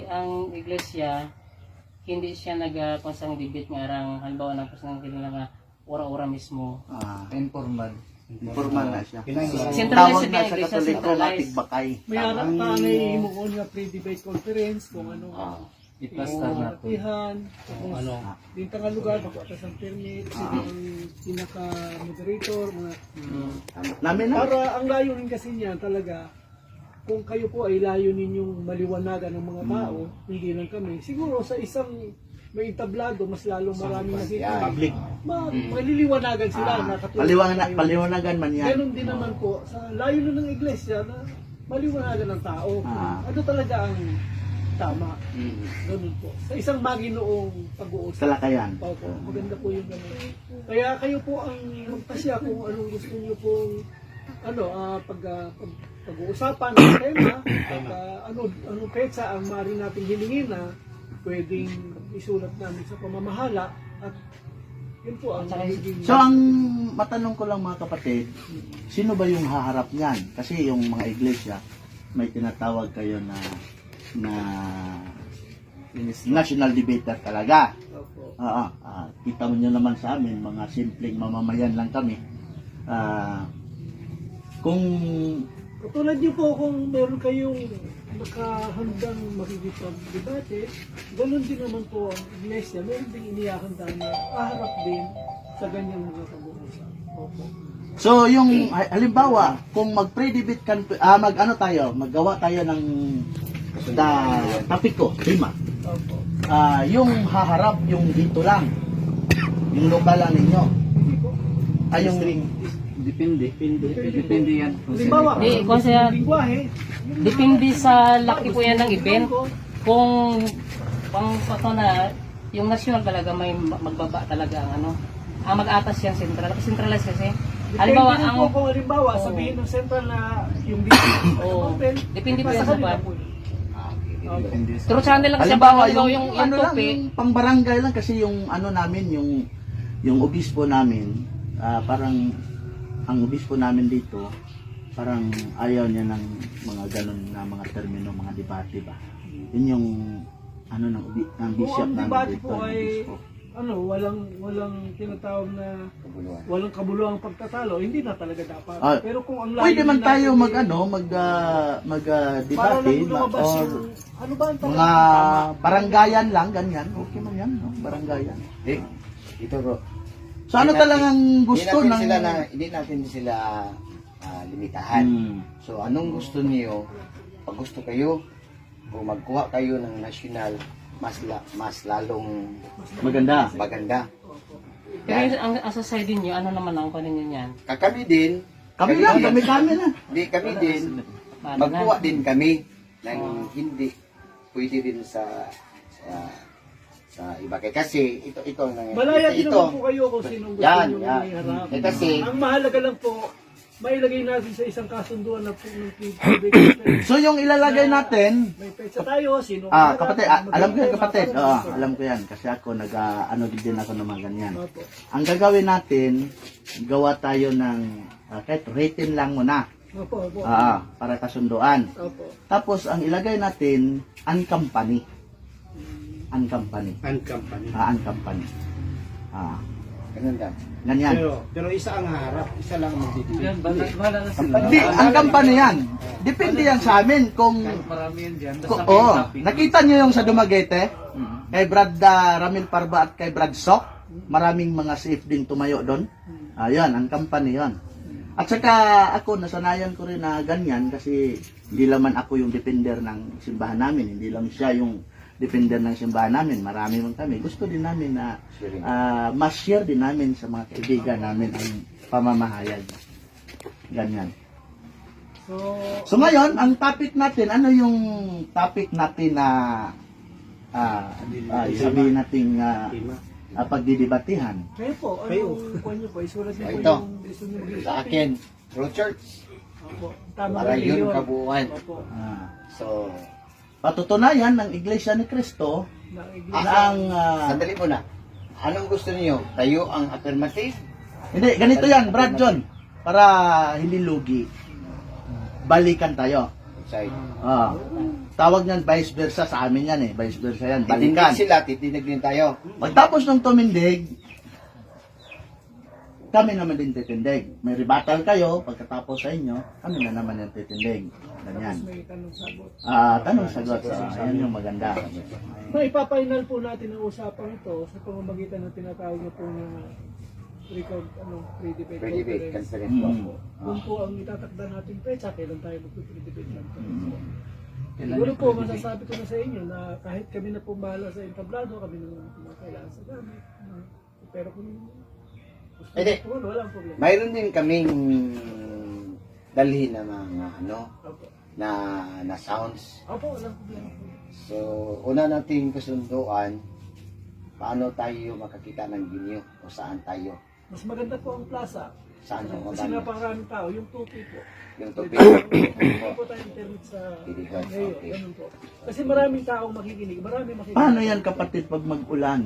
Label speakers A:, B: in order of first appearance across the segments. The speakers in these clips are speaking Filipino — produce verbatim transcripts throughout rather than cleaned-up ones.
A: ang iglesia hindi siya nagkonsang debate nga arang halimbawa ng pasang kailan nga ora-ora mismo.
B: Ah,
C: Informal.
B: informal na siya.
A: Centralized
B: Tawag
A: sa
B: na sa
A: iglesia,
B: Katoliko,
A: centralized.
B: matig bakay.
D: May harap pa na ihimo ko nga pre-debate conference kung ano
B: Ah,
C: Iplastar na po.
D: latihan,
C: Kung ano.
D: din nga lugar, pagkakas ang permit, sino ang pinaka-moderator, mga
B: namin na.
D: para ang layo rin kasi niya talaga, kung kayo po ay layo ninyong maliwanagan ng mga tao, hindi lang kami, siguro sa isang may entablado, mas lalong maraming nakikita.
B: Public.
D: Ma maliliwanagan sila na katulad
B: Paliwanag,
D: tayo.
B: paliwanagan man yan.
D: Ganon din naman po sa layo na ng iglesia na maliwanagan ng tao.
B: Ah.
D: Ano talaga ang tama? Ganun po. Sa isang maginoong pag-uusap.
B: Talakayan.
D: Opo, maganda po yung ganun. Kaya kayo po ang magpasya kung anong gusto niyo pong ano, ah, pag, ah, pag pag-uusapan ng tema, pag, ah, ano, anong petsa ang maaari nating hilingin na pwedeng isulat namin sa pamamahala at yun po ang magiging...
B: So ang matanong ko lang mga kapatid, sino ba yung haharap niyan? Kasi yung mga iglesia, may tinatawag kayo na na national debater talaga.
D: Opo.
B: Oo, ah, kita mo nyo naman sa amin, mga simpleng mamamayan lang kami. Ah, kung
D: Katulad niyo po kung meron kayong nakahandang makikipag-debate, ganun din naman po ang iglesia, meron din inihahanda na aharap din sa ganyang mga pag-uusap. Opo.
B: so yung ha- halimbawa, kung mag-pre-debate kan ah, mag ano tayo, maggawa tayo ng da topic ko, tema.
D: Opo.
B: Ah, yung haharap yung dito lang. Yung lokal lang ninyo.
D: Hindi po.
B: Ay yung
C: Depende. Depende yan.
D: Halimbawa,
A: Di, kung siya-
D: lingwahe,
A: Depende sa laki po yan ng event. Kung pang pato na yung national talaga may magbaba talaga ang ano. Ang mag-atas yan central. Kasi centralized kasi. Halimbawa
D: Depende rin
A: ang
D: po kung halimbawa, sabihin ng central na yung dito,
A: Oo.
D: open,
A: Depende po
D: nasa
A: yan sa
D: kanila
A: bar.
D: po yun.
C: Depende sa...
A: True channel lang kasi
B: halimbawa
A: yung,
B: yung,
A: yung, yung,
B: ano lang,
A: topic.
B: yung pang-barangay lang kasi yung ano namin, yung yung obispo namin, ah, parang ang obispo namin dito, parang ayaw niya ng mga ganun na mga termino, mga debate ba. Yun yung ano ng, obi- ng
D: Kung
B: bishop
D: ang
B: namin
D: debate
B: dito.
D: po
B: yung
D: ay
B: obispo.
D: ano, walang walang tinatawag na walang kabuluhang pagtatalo, hindi na talaga dapat.
B: Ah,
D: Pero kung ang
B: Pwede man
D: layunin
B: tayo
D: natin
B: mag
D: ay
B: ano, mag ah, mag ah,
D: para
B: debate
D: lang
B: ba,
D: lumabas
B: or
D: yung ano ba ang
B: mga
D: tama?
B: barangayan lang, ganyan. Okay man yan, no? Barangayan.
E: Eh, ito bro.
B: So ano
E: Hindi
B: talagang
E: natin-
B: gusto
E: hindi natin
B: ng...
E: sila na, hindi natin sila ah, limitahan.
B: Hmm.
E: So anong gusto niyo? Pag gusto kayo, kung magkuha kayo ng national, mas la, mas lalong
B: Maganda.
E: maganda.
A: Pero yung- ang, ang society niyo, ano naman ang kanin niyo yan?
E: Kami din,
B: Kami lang, kami kami lang.
E: Hindi kami din,
A: Paano
E: magkuha
A: na?
E: din kami ng hindi pwede din sa sa, sa iba kay kasi ito ito na
D: Malaya din
E: ito,
D: naman po kayo kung sinong gusto
E: Yan,
D: nyo
E: yan.
D: iharap.
E: Eh, kasi-
D: ang mahalaga lang po, mailagay natin sa isang kasunduan na po ng public.
B: So yung ilalagay natin,
D: May petsa tayo, sino
B: ah
D: ang
B: kapatid,
D: harap,
B: ah, alam ko yan
D: maganda,
B: kapatid.
D: para-
B: Oo, alam ko yan kasi ako nag ah, ano din ako ng mga ganyan.
D: Opo.
B: Ang gagawin natin, gawa tayo ng ah, kahit rating lang muna.
D: Opo, opo.
B: Ah, para kasunduan.
D: Opo.
B: Tapos ang ilagay natin, ang company. Ang company.
C: And company.
B: Ah, ang company. Ah,
E: ganun lang.
B: ganyan.
C: Pero, pero isa ang harap. Isa lang ang magdidibig.
A: Bahala na sila.
B: Hindi, ang company yan. Depende yan sa amin kung
C: Marami yan dyan.
B: Ko, oh, nakita niyo yung sa Dumaguete, kay Brad uh, Ramil Parba at kay Brad Sok, maraming mga safe din tumayo doon. Ayun, ang company yon. At saka ako, nasanayan ko rin na ganyan kasi hindi naman ako yung defender ng simbahan namin, hindi lang siya yung defender ng simbahan namin, marami man kami. Gusto din namin na uh, mas share din namin sa mga kaibigan namin ang pamamahayag. Ganyan.
D: So,
B: So ngayon, ang topic natin, ano yung topic natin na ah ah, sabihin natin uh,
C: Tema.
B: pagdidebatehan?
D: kayo po,
C: Kayo.
D: anong kuha niyo po? Isulat niyo po
E: Ito.
D: yung gusto niyo mag-isip.
E: Sa akin, True Church,
D: Opo. Tama
E: para
D: ba
E: yun kabuuan.
D: Opo.
B: Ah,
E: So,
B: patutunayan ng Iglesia ni Cristo
D: Na
B: na
D: iglesia.
B: ang ah,
E: sandali muna. Anong gusto niyo? Tayo ang affirmative?
B: hindi, ganito yan, Brad John, para hindi lugi. Balikan tayo.
E: outside.
B: Ah. Tawag niyan vice versa sa amin yan eh. Vice versa yan.
E: Titindig
B: Balikan.
E: sila, titindig din tayo.
B: Pagtapos ng tumindig, kami naman din titindig. May rebuttal kayo, pagkatapos sa inyo, kami na naman yung titindig. Ganyan.
D: May tanong sagot.
B: Ah, tanong sagot. Ah, yan yung maganda.
D: So, ipapainal po natin ang usapang ito sa pamamagitan ng tinatawag na po ng record, ano, pre-debate
E: Pre-debate
D: conference.
E: conference po.
B: Mm.
D: Kung po ang itatakda natin petsa, kailan tayo magpe-pre-debate conference.
B: Mm.
D: Siguro po, masasabi ko na sa inyo na kahit kami na pumahala sa entablado, kami naman kailangan sa gamit. Ah, Pero kung gusto
E: Pwede.
D: po, walang problema.
E: Mayroon din kaming dalhin na mga ano,
D: Opo.
E: na na sounds.
D: Opo, walang problema.
E: So, una nating kasunduan, paano tayo makakita ng ginyo o saan tayo.
D: Mas maganda po ang plaza.
E: Saan ang
D: Kasi
E: maganda?
D: napakaraming tao, yung tupi po.
E: Yung tubig.
D: Hindi po tayo internet sa
E: Tiligan,
D: ngayon,
E: okay.
D: ganun po. Kasi maraming taong makikinig, maraming makikinig.
B: Paano yan kapatid pag mag-ulan?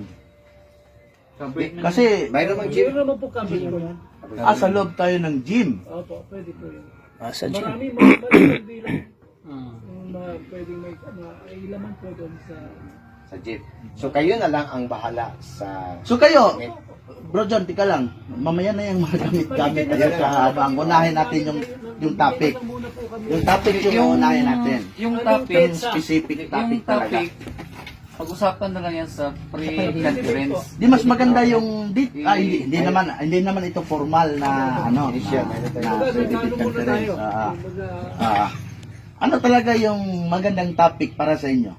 B: Kasi,
E: Mayroon mang
D: Meron
E: gym.
D: naman po kami po yan.
B: ah, sa loob tayo ng gym.
D: Opo, pwede po yun.
C: Ah, sa gym.
D: Marami, mga maraming bilang yung mga pwedeng may mga ilaman po doon sa...
E: Sa jeep. So, kayo na lang ang bahala sa...
B: So kayo, Bro John, tika lang. Mamaya na yung mga gamit-gamit tayo sa habang unahin natin yung yung topic.
D: Bigyan na muna po kami.
B: Yung topic yung unahin natin.
A: Yung
D: Ano,
A: topic,
B: Yung specific topic
A: yung
B: talaga.
A: topic, pag-usapan na lang yan sa pre-conference.
B: Di mas maganda yung di, ah, hindi, hindi naman hindi naman ito formal na ano
E: Initial,
B: na,
E: meron tayo.
B: na
D: Kumbaga,
B: pre-debate
D: nagkano muna
B: conference.
D: tayo.
B: Ah,
D: Kumbaga,
B: ah. Ano talaga yung magandang topic para sa inyo?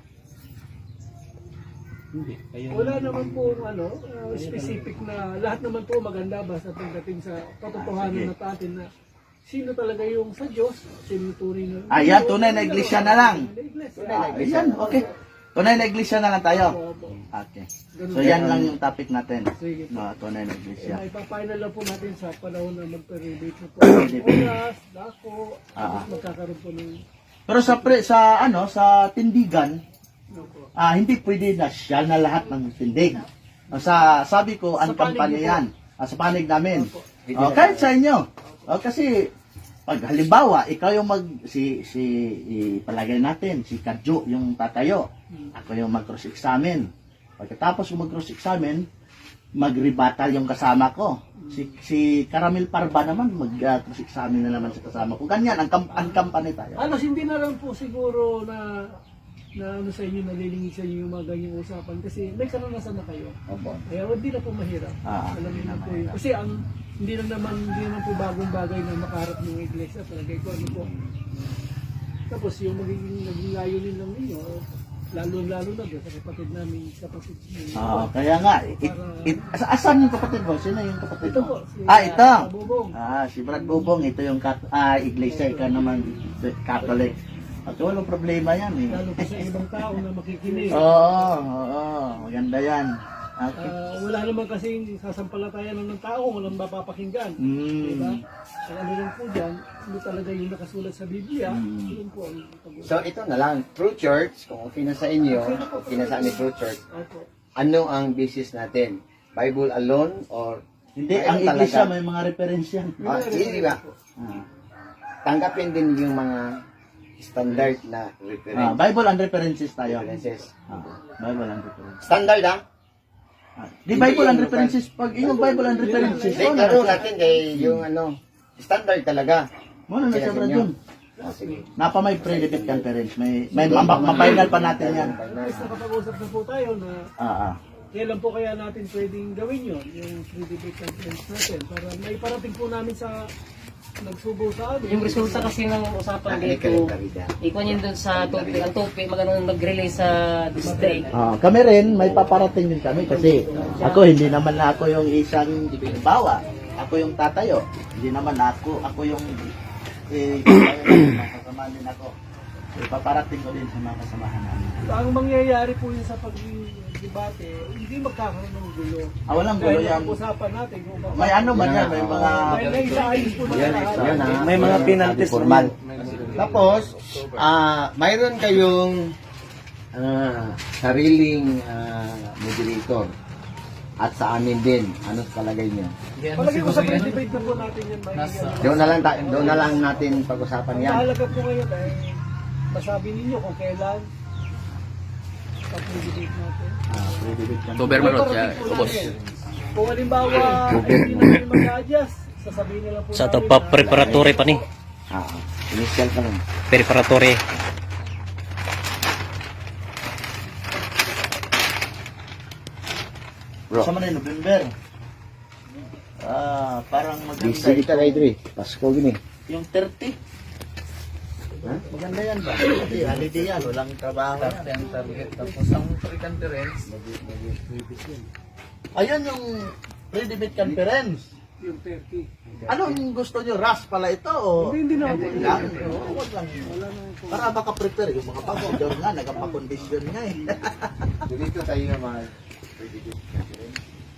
D: Wala naman po ano, uh, specific na lahat naman po maganda basta pagdating sa katotohanan na natin na sino talaga yung sa Diyos, sino yung tunay na...
B: Ah, yan, tunay na iglesia na lang.
D: Tunay na iglesia.
B: Ah, ayan, okay. Tunay na iglesia na lang tayo.
D: Opo.
B: Okay.
D: Ganun
B: So yan lang yung topic natin.
D: Sige po.
B: No, tunay na
D: Eh,
B: iglesia.
D: Ipapainal lang po natin sa panahon na magpe-rebate na po. Oras, dako,
B: Ah.
D: tapos magkakaroon po ng...
B: Pero sa pre, sa ano, sa tindigan,
D: Ano po.
B: ah, hindi pwede na siya na lahat ng tindig. Ah, Sa sabi ko, ang
D: Sa panig
B: kampanya
D: niyo po.
B: yan. Ah, sa panig namin.
D: Opo.
B: Oh, kahit sa inyo. Oh, kasi pag halimbawa, ikaw yung mag si si ipalagay natin si Kadjo yung tatayo. Ako yung mag-cross examine. Pagkatapos ko mag-cross examine, mag-rebuttal yung kasama ko. Si si Caramel Parba naman mag-cross examine na naman sa kasama ko. Ganyan ang kam- ang company tayo.
D: Ano, hindi na lang po siguro na na ano sa inyo, nalilingig sa inyo yung mga ganyang usapan kasi may karanasan na kayo.
E: Opo.
D: Kaya hindi na po mahirap.
B: Ah,
D: Alam
B: hindi
D: niyo
B: na
D: na po yun.
B: mahirap.
D: Kasi ang hindi lang naman hindi naman po bagong bagay na makaharap ng iglesia talaga ito ano po. Tapos yung magiging naging layunin lang ninyo, lalo-lalo na doon sa kapatid namin, kapatid ninyo.
B: Ah, kaya nga, it, it, asa- asan yung kapatid mo? Sino yung kapatid
D: Ito
B: mo?
D: po, si
B: Ah, ito.
D: ah, Bubong.
B: Ah, si Brad Bubong, ito yung kat ah, iglesia, ikaw naman Catholic. At walang problema yan eh.
D: Lalo po sa ibang tao na makikinig.
B: Oo, oo, maganda yan. Okay.
D: Ah, wala naman kasing sasampalatayan ng tao, walang mapapakinggan. Diba?
B: Mm.
D: Ang ano lang po dyan, ano talaga yung nakasulat sa Biblia,
B: Mm.
D: yun po ang pag-usapan.
E: So, ito na lang. True Church, kung okay na sa inyo, okay na sa amin True Church,
D: Opo.
E: ano ang basis natin? Bible alone or...
B: Hindi,
E: Mayroon
B: ang iglesia
E: talaga.
B: may mga reference yan.
E: Ah, hindi ba?
B: Ah.
E: Tanggapin din yung mga standard na
B: Ah,
E: reference.
B: Bible and references tayo.
E: references.
B: Ah, Bible and references.
E: Standard ah?
B: Ah, di Bible and references, pag yung Bible and references,
E: Hindi,
B: mo
E: klaro
B: na,
E: natin kay yung ano, standard talaga.
B: mo na sa Brad yun.
E: Ah, sige.
B: Napa may pre-debate conference, may, may mapainal pa natin yan.
D: At nakapag-usap na po tayo na
B: Ah, ah.
D: kailan po kaya natin pwedeng gawin yun, yung free debate conference natin, para may parating po namin sa nagsubo sa amin.
A: Yung resulta kasi ng usapan
E: Nakinig ka
A: dito,
E: rin, Karida.
A: ikuan yun dun sa topic. Ang topic, magandang mag-release sa district.
B: Ah, kami rin, may paparating din kami kasi ako, hindi naman na ako yung isang bawa. Ako yung tatayo. Hindi naman ako, ako yung eh, kasama din ako. Eh, paparating ko din sa mga kasamahan namin.
D: Ang mangyayari po yun sa pag-debate, hindi magkakaroon ng gulo.
B: Ah, walang gulo
D: Dahil
B: yan.
D: ang usapan natin, kung ba-
B: May ano ba yan? May mga...
D: may naisaayos po na
E: Yan,
D: lahat.
E: yan, ah.
C: May mga penalties
E: Formal. Tapos, ah mayroon kayong ah, sariling ah, moderator. At sa amin din, ano palagay niyo?
D: Palagi ko sa free debate na po natin yan. Nasa...
E: Doon na lang ta- doon na lang natin pag-usapan
D: Ang
E: yan.
D: mahalaga po ngayon ay masabi ninyo kung kailan pag-debate natin.
B: Ah, pre-debate campaign.
F: October man ron siya,
D: Paparating po
F: ubos.
D: namin. Kung halimbawa, ay hindi na kami mag-adjust, sasabihin nila po
G: Sa to
D: namin
G: pa
D: na-
G: preparatory pa ni.
E: Ah, initial pa lang.
G: Preparatory.
E: Bro,
B: Sa man November. Ah, parang maganda.
E: busy kita kay Dre. Pasko gini.
B: Yung thirty.
E: Ha?
B: Maganda yan ba? Kasi holiday yan, walang trabaho yan.
C: Ang target. Tapos ang pre-conference,
B: Ayun yung pre-debate conference.
D: Yung thirty.
B: Anong gusto nyo? Rush pala ito o?
D: Hindi, hindi naman po.
B: Hindi lang. Oo, wag lang.
D: Wala naman po.
B: Para makaprepare yung mga pagkakador nga, nagpapakondisyon nga eh.
E: Dito tayo nga mga pre-debate conference.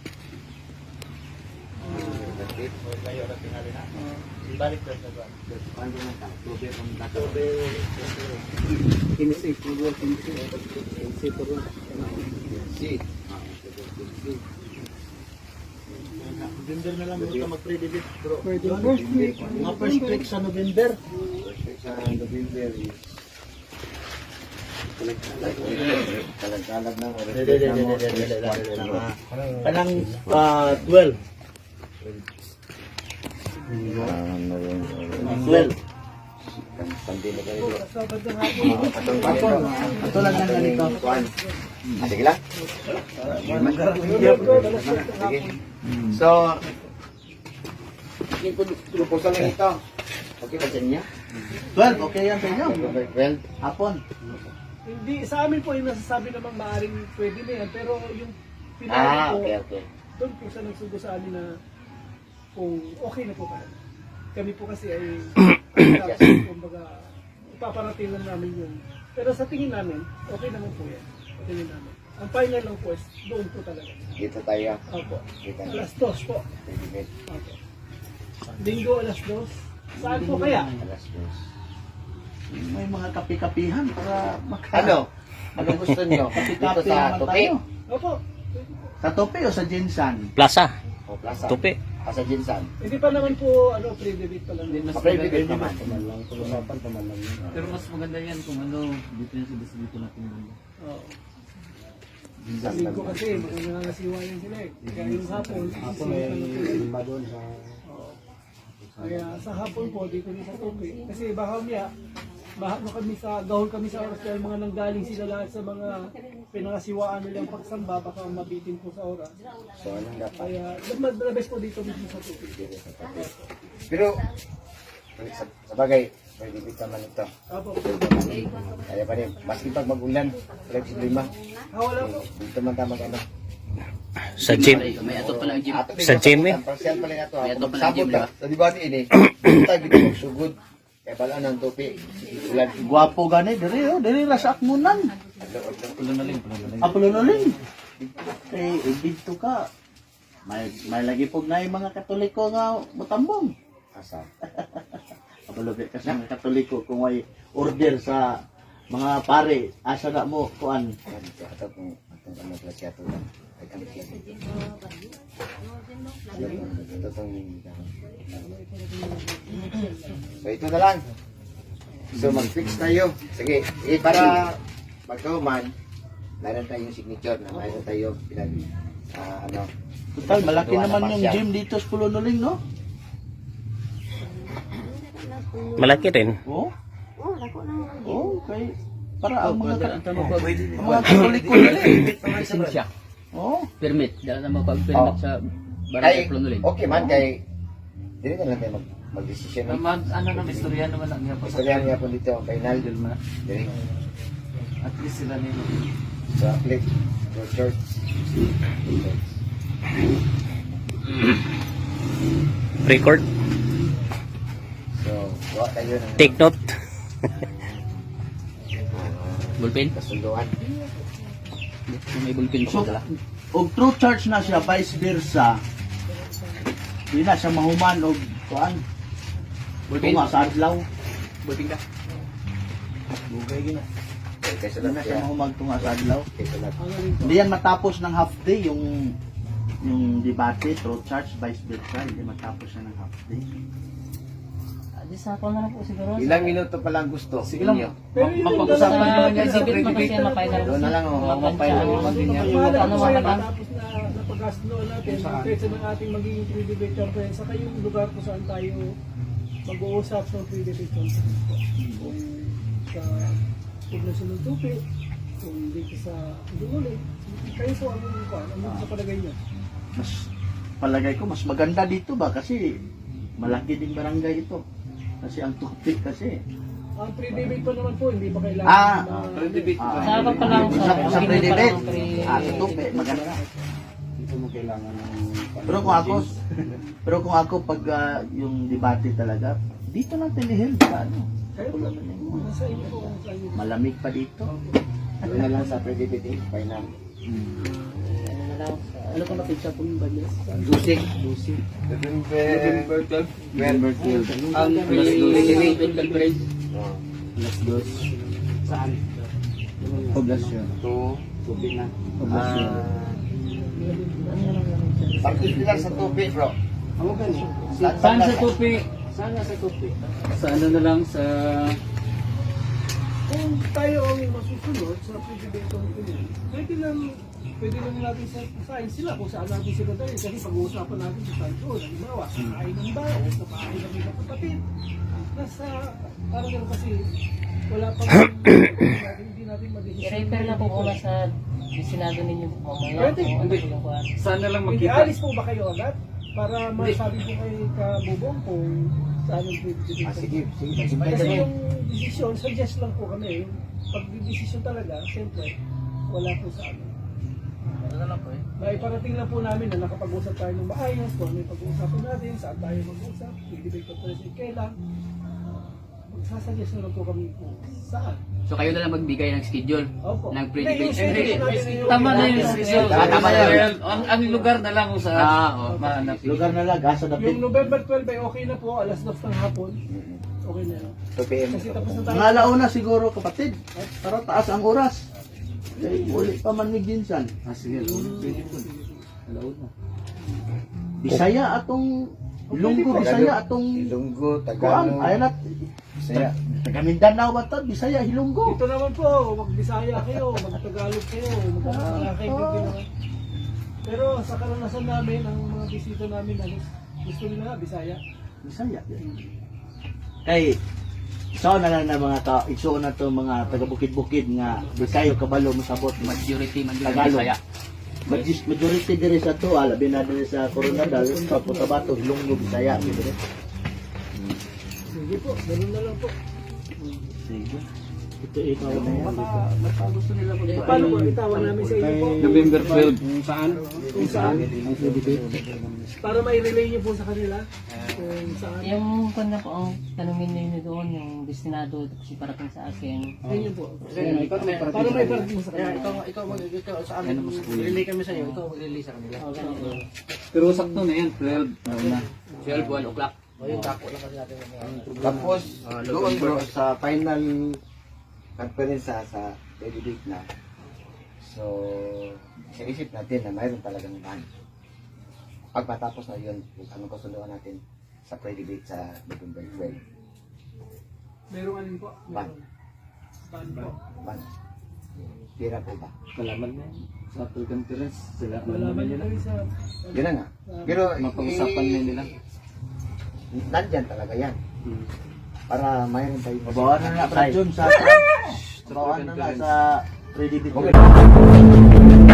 B: Ibalik ko sa buwan.
E: Paano na ta? October ang dato.
C: kinisi, siguro kinisi. Kinisi po rin.
E: Si.
B: November na lang ito mag-pre-debate bro.
D: Pwede. First week.
B: Mga first week sa November.
E: Sa November is kalag-kalag ng
B: Dede, dede, dede, dede, dede, dede. Kanang ah, twelve. twelve.
E: Pandila ka rin.
D: Sabad ng hapon.
B: Ako, ito lang lang ganito.
E: Ah, sige lang. Sige. So, yung proposal lang ito. Okay ba sa inyo?
B: twelve, okay yan sa inyo.
E: November twelve.
B: Hapon.
D: Hindi, sa amin po yung nasasabi namang maaaring pwede na yan. Pero yung pinali
E: Ah,
D: po,
E: okay, okay.
D: doon po sa nagsugo sa amin na kung okay na po kami. Kami po kasi ay tapos, kumbaga, ipaparating lang namin yun. Pero sa tingin namin, okay naman po yan. Sa tingin namin. Ang final lang po is doon po talaga.
E: Dito tayo.
D: Opo.
E: Dito tayo.
D: Alas dos po.
E: Pre-debate.
D: Opo. Linggo alas dos. Saan po kaya?
E: Alas dos.
B: May mga kapi-kapihan para maka...
E: Ano? Ano gusto nyo? Dito
B: Kapi-kapi
E: sa
B: naman
E: Tupi?
B: tayo.
D: Opo.
B: Sa Tope o sa Jinsan?
G: Plaza.
E: O Plaza?
G: Tupi.
E: Ah, sa Jinsan?
D: Hindi pa naman po, ano, pre-debate pa lang.
C: Mas
E: Pa-pre-debate naman.
C: Usapan, pamalang. Pero mas maganda yan kung ano, dito yung sa dito natin banda.
D: Oo. Sa linggo kasi, baka nangangasiwayan sila eh. Kaya yung hapon, hapon may
C: Iba doon sa...
D: Kaya sa hapon po, dito rin sa Tupi. Kasi baka niya, mahapon kami sa, gahol kami sa oras dahil mga nanggaling sila lahat sa mga pinangasiwaan nilang pagsamba, baka mabitin po sa oras.
E: So, anong dapat?
D: Kaya, the best po dito mismo sa Tupi.
E: Pero, sa, sa bagay, pre-debate naman ito.
D: Apo,
E: Kaya pa rin, maski pag mag-ulan, wala si lima.
D: ah, wala po.
E: Dito man tama ano.
G: Sa gym.
F: May atot pa lang gym.
E: Ato,
G: Sa gym eh.
E: Partial pala nato.
F: May ato
E: Kung
F: pa lang gym,
E: magsabot
F: di ba?
E: ka, sa debate ini, dito tayo dito magsugod. Kaya pala ng tupi. Ulan.
B: Gwapo gani, diri oh, diri ra sa akmunan.
C: Pulo na lang, pulo na lang.
B: Apulo na rin. Eh, eh, dito ka. May, may lagi po na yung mga katoliko nga matambong.
E: Asa.
B: Kapalobi kasi mga katoliko kung may order sa mga pare, asa na mo, kuan.
E: Ato kung atong ano pala siya ito lang. Ay kami siya. Ito itong... So ito na lang. So mag-fix tayo. Sige, sige para magkauman, mayroon tayong signature na mayroon tayong pinag... ah, ano,
B: Total, malaki
E: gawa na
B: naman yung
E: partial.
B: gym dito sa Pulonoling, no?
G: Malaki rin.
B: Oo. Oo, okay. Para ang mga,
C: Ang tanong ko, pwede
B: ang mga katoliko nila.
F: Lisensya.
B: Oo.
F: Permit. Dahil na mapag-permit
E: Oh.
F: sa
E: kay,
F: barangay Plonolin.
E: okay man, kay... Dili na lang tayo mag, mag-decision.
C: naman, ano naman, istorya naman ang niya pa sa
E: Istorya niya po dito ang final.
C: Idol man.
E: Dili.
C: At least sila nila.
E: So, apply to church.
G: Record.
E: So, gawa tayo ng
G: Take note.
F: Bullpen.
E: kasunduan.
F: Kung may bullpen
B: So,
F: siya dala.
B: og true church na siya, vice versa. Di na siya mahuman og kuan.
F: Bullpen.
B: Tunga sa adlaw.
F: Bullpen ka.
B: Bugay gina.
E: Okay, kaya
B: Di
E: sulat
B: na siya
E: siya.
B: mahumag tunga sa adlaw.
E: Okay, sulat.
D: Ano rin po.
B: Hindi yan matapos ng half day yung yung debate, true church, vice versa. Hindi matapos siya ng half day.
A: Adi sa ako na lang po siguro.
E: Ilang minuto pa lang gusto.
C: Sige lang.
E: Ninyo.
D: Pero yun yung
C: Mapag-usapan
D: dalawa
C: naman yan
D: natin
C: sa
D: na-
A: Exhibit mo kasi yan, mapay na
E: Doon na lang, oh.
C: Mapay na naman din yan.
D: Pagpala
A: Ano
D: po
A: mga
D: kayo
A: lang?
D: tapos na napag-asloan natin ang petsa ng ating magiging pre-debate conference saka yung lugar kung saan tayo mag-uusap sa pre-debate conference po. Kung sa poblasyon ng Tupi, kung dito sa Dumuli, kayo po ang kuwan, ano sa palagay niyo?
B: Mas palagay ko mas maganda dito ba kasi malaki ding barangay ito. Kasi ang tupik kasi.
D: Ang pre-debate pa naman po, hindi ba kailangan
B: Ah,
D: na,
C: pre-debate
B: Ah,
A: Sa ako pa lang
B: sa,
A: sa
B: sa
A: hindi
B: pre-debate.
A: pa lang pre-
B: Ah, sa tupik maganda.
C: Dito mo kailangan ng...
B: Pero kung ako, pero kung ako pag ah, yung debate talaga, dito natin i-held sa ano.
D: kayo po, nasa inyo po, nasa inyo.
B: Malamig pa dito.
E: Doon na lang sa pre-debate. Final.
A: Ano na lang.
D: Ano ka napinsa po yung banyas?
E: Lusik. November twelve. November twelve.
C: Ang pre-debate conference.
E: Alas dos.
C: Saan?
E: Poblasyon. To.
C: Tubig na.
E: Poblasyon. Particular sa tubig, bro.
C: Ako gani.
E: Saan-
C: Saan sa
E: saan-
C: tupi? Saan na sa tupi? Sa ano na lang sa...
D: Kung tayo ang masusunod sa pre-debate conference, pwede lang pwede lang natin sa science sila kung saan natin sila tayo kasi pag-uusapan natin sa saan doon. Halimbawa, sa kain ng bao, sa kain ng mga kapatid. Nasa, parang gano'n kasi wala pang hindi natin madesisyon.
A: I-refer na po muna sa Senado ninyo po mamaya.
D: Pwede.
A: Kung ano po yung kuwan.
C: Saan na lang
D: Hindi,
C: magkita?
D: alis po ba kayo agad? Para masabi ko kay Kabubong kung saan yung pre-debate
E: Ah, sige, sige.
D: conference.
E: Sige,
D: Kasi
E: sige.
D: yung decision, suggest lang po kami. Yung pag-decision talaga, siyempre, wala po sa amin.
A: Ano na lang po eh.
D: Naiparating lang po namin na nakapag-usap tayo ng maayos, kung ano yung pag-uusapan natin, saan tayo mag-usap, i-debate conference yung kailan. Magsasuggest na lang po kami kung saan.
F: So kayo na lang magbigay ng schedule
D: Opo.
F: ng
D: Hindi,
F: pre-debate.
D: yung schedule natin yung-
C: Tama na yun.
B: Ah, tama na yun.
C: Ang, ang lugar na lang kung saan.
F: Ah, oh.
C: Mahanap.
B: Lugar na lang, asa
D: Yung
B: dapit.
D: November twelve ay okay na po, alas dos ng hapon. Okay na yun.
E: two P M.
D: Kasi tapos na tayo.
B: Mga alauna siguro kapatid. Para taas ang oras. Eh, uli pa man mig dinsan.
C: Ah, sige. Pwede po. Alaon na.
B: Bisaya atong Ilonggo, Bisaya atong
E: Ilonggo,
B: kuan,
E: Tagalog.
B: ayan at
E: Bisaya.
B: taga Mindanao ba to? Bisaya, Ilonggo.
D: Dito naman po, mag-Bisaya kayo, mag-Tagalog kayo, mag-Kakaibigan naman. Pero sa karanasan namin, ang mga bisita namin, halos gusto nila nga, Bisaya.
B: Bisaya. Kay so na lang na mga ka, iso na to mga taga bukid-bukid nga di kayo kabalo mosabot
F: Majority man din
B: Tagalog.
F: Bisaya.
B: Majis majority diri sa to, alabi na diri sa Coronadal, sa Cotabato, Ilonggo, Bisaya gitu diri.
D: Sige po, ganun na lang po.
B: Sige. Ito ikaw na yan.
C: Baka, baka gusto nila mag-
D: Eh, paano po, itawan namin sa inyo po?
C: November twelve. Kung saan?
D: Kung saan? Para mai-relay niyo po sa kanila. Kung saan.
A: Yung kung na po ang tanungin ninyo doon, yung destinado kasi parating sa akin.
D: Ganyan po.
C: Ikaw may
D: Para may parating mo sa kanila.
C: ikaw, ikaw, ikaw sa amin. Relay kami sa iyo. Ikaw mag-relay sa kanila. Pero sakto na yan. twelve. na.
F: twelve, one o'clock.
E: Tapos, doon bro, sa final conference sa, sa pre-debate na. So, sinisip natin na mayroon talagang ban. Pag matapos na yun, kung anong kasunduan natin sa pre-debate sa November twelve.
D: Meron alin po?
E: Ban.
D: Ban po.
E: Ban. Tira po ba?
C: Malaman mo. Sa Apple Conference. Sila.
D: Malaman niyo kami sa...
E: Yun na nga. Pero,
C: Mapag-usapan
E: eh,
C: na nila.
E: nandyan talaga yan.
C: Hmm.
E: Para mayroon tayo.
B: Babawan na na Brad John sa babawan na na sa pre-debate.
E: Okay.